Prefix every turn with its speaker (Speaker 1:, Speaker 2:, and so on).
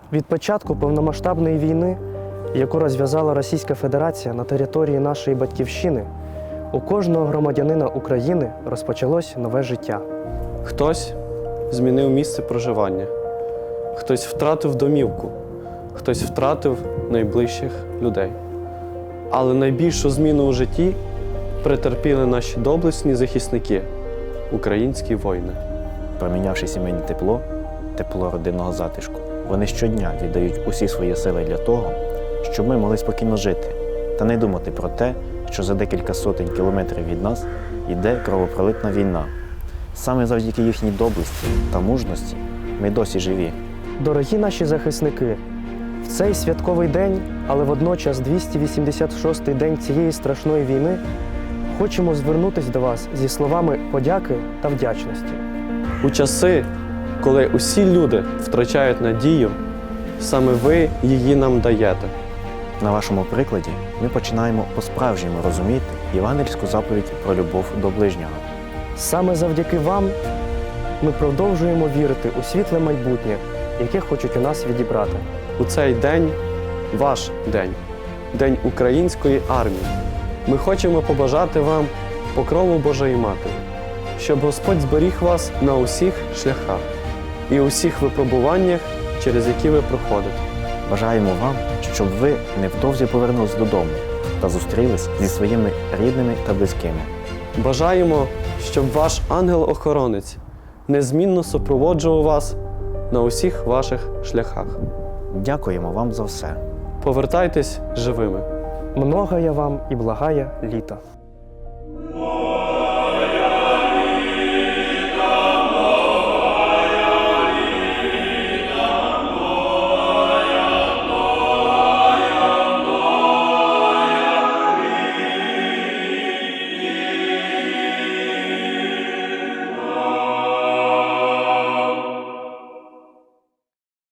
Speaker 1: Від початку повномасштабної війни, яку розв'язала Російська Федерація на території нашої батьківщини, у кожного громадянина України розпочалось нове життя.
Speaker 2: Хтось змінив місце проживання, хтось втратив домівку, хтось втратив найближчих людей. Але найбільшу зміну у житті претерпіли наші доблесні захисники – українські воїни.
Speaker 3: Промінявши сімейне тепло, тепло родинного затишку, вони щодня віддають усі свої сили для того, щоб ми могли спокійно жити та не думати про те, що за декілька сотень кілометрів від нас йде кровопролитна війна. Саме завдяки їхній доблесті та мужності ми досі живі.
Speaker 1: Дорогі наші захисники, в цей святковий день, але водночас 286-й день цієї страшної війни, хочемо звернутися до вас зі словами подяки та вдячності.
Speaker 2: У часи, коли усі люди втрачають надію, саме ви її нам даєте.
Speaker 3: На вашому прикладі ми починаємо по-справжньому розуміти євангельську заповідь про любов до ближнього.
Speaker 1: Саме завдяки вам ми продовжуємо вірити у світле майбутнє, яке хочуть у нас відібрати.
Speaker 2: У цей день – ваш день, День української армії. Ми хочемо побажати вам покрову Божої Матері, щоб Господь зберіг вас на усіх шляхах і усіх випробуваннях, через які ви проходите.
Speaker 3: Бажаємо вам, щоб ви невдовзі повернулись додому та зустрілись зі своїми рідними та близькими.
Speaker 2: Бажаємо, щоб ваш ангел-охоронець незмінно супроводжував вас на усіх ваших шляхах.
Speaker 3: Дякуємо вам за все.
Speaker 2: Повертайтесь живими.
Speaker 1: Многая вам і благая літа.